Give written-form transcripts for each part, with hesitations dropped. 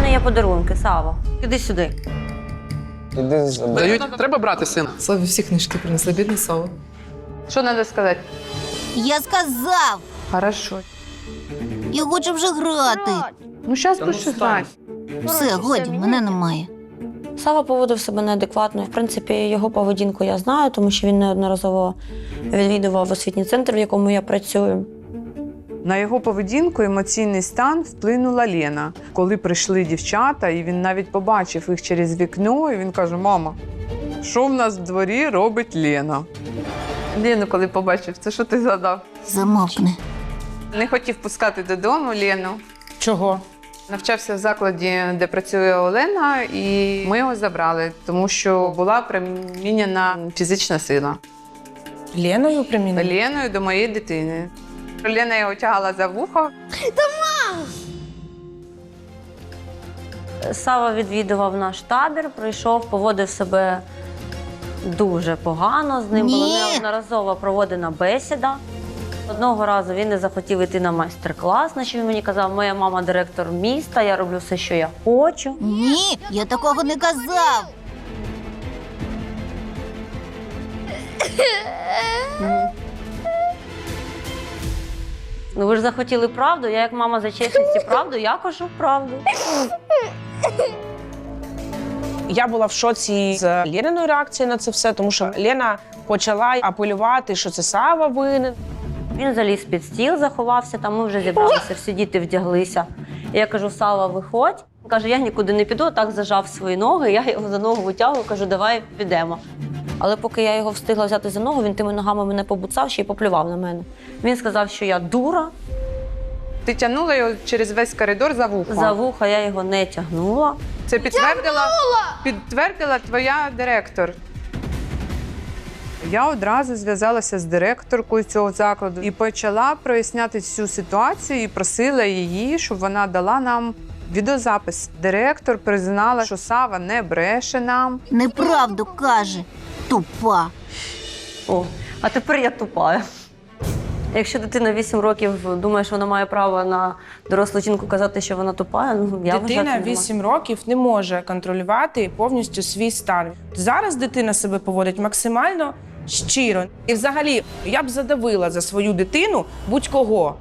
мене є подарунки, Сава. Іди сюди. Іди забери. Дають, треба брати сина. Славі всі книжки принесли, бідний Сава. Що треба сказати? Я сказав! Хорошо. Я хочу вже грати. Ну, зараз будеш грати. Все, годі, мене немає. Сава поводив себе неадекватно. В принципі, його поведінку я знаю, тому що він неодноразово відвідував освітній центр, в якому я працюю. На його поведінку, емоційний стан вплинула Лена. Коли прийшли дівчата, і він навіть побачив їх через вікно, і він каже: мама, що в нас в дворі робить Лена? Лену, коли побачив, це що ти задав? Замовкни. Не хотів пускати додому Лену. Чого? Навчався в закладі, де працює Олена, і ми його забрали, тому що була примінена фізична сила. Леною примінили? Леною до моєї дитини. Лена його тягала за вухо. Сава відвідував наш табір, прийшов, поводив себе дуже погано. З ним була Ні. неодноразово проводена бесіда. Одного разу він не захотів йти на майстер-клас, на що він мені казав: моя мама директор міста, я роблю все, що я хочу. Ні, я такого не казав. Ну ви ж захотіли правду, я як мама за чесність і правду, я кажу правду. Я була в шоці з Лениною реакцією на це все, тому що Лена почала апелювати, що це Сава винен. Він заліз під стіл, заховався, там ми вже зібралися, всі діти вдяглися. І я кажу: Сава, виходь. Він каже: я нікуди не піду, так зажав свої ноги, я його за ногу витягую, кажу: давай підемо. Але поки я його встигла взяти за ногу, він тими ногами мене побуцав ще й поплював на мене. Він сказав, що я дура, Ти тягнула його через весь коридор за вухо. за вуха я його не тягнула. Це підтвердила твоя директор. Я одразу зв'язалася з директоркою цього закладу і почала проясняти цю ситуацію і просила її, щоб вона дала нам відеозапис. Директор признала, що Сава не бреше нам. Неправду каже. Тупа. О, а тепер я тупа. Якщо дитина 8 років думає, що вона має право на дорослу жінку казати, що вона тупа, ну я вважаю, Дитина це нема. 8 років не може контролювати повністю свій стан. Зараз дитина себе поводить максимально щиро. І взагалі, я б задавила за свою дитину будь-кого.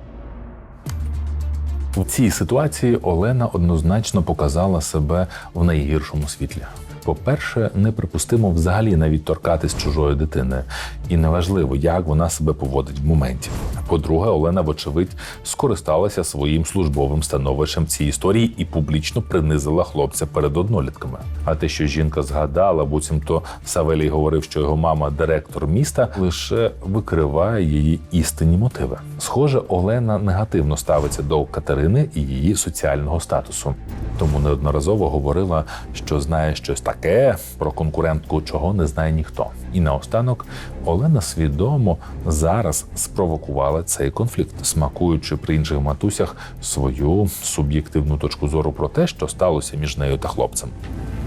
У цій ситуації Олена однозначно показала себе в найгіршому світлі. По-перше, неприпустимо взагалі навіть торкатись чужої дитини. І неважливо, як вона себе поводить в моменті. По-друге, Олена, вочевидь, скористалася своїм службовим становищем в цій історії і публічно принизила хлопця перед однолітками. А те, що жінка згадала, буцімто Савелій говорив, що його мама – директор міста, лише викриває її істинні мотиви. Схоже, Олена негативно ставиться до Катерини і її соціального статусу. Тому неодноразово говорила, що знає щось таке про конкурентку, чого не знає ніхто. І наостанок Олена свідомо зараз спровокувала цей конфлікт, смакуючи при інших матусях свою суб'єктивну точку зору про те, що сталося між нею та хлопцем.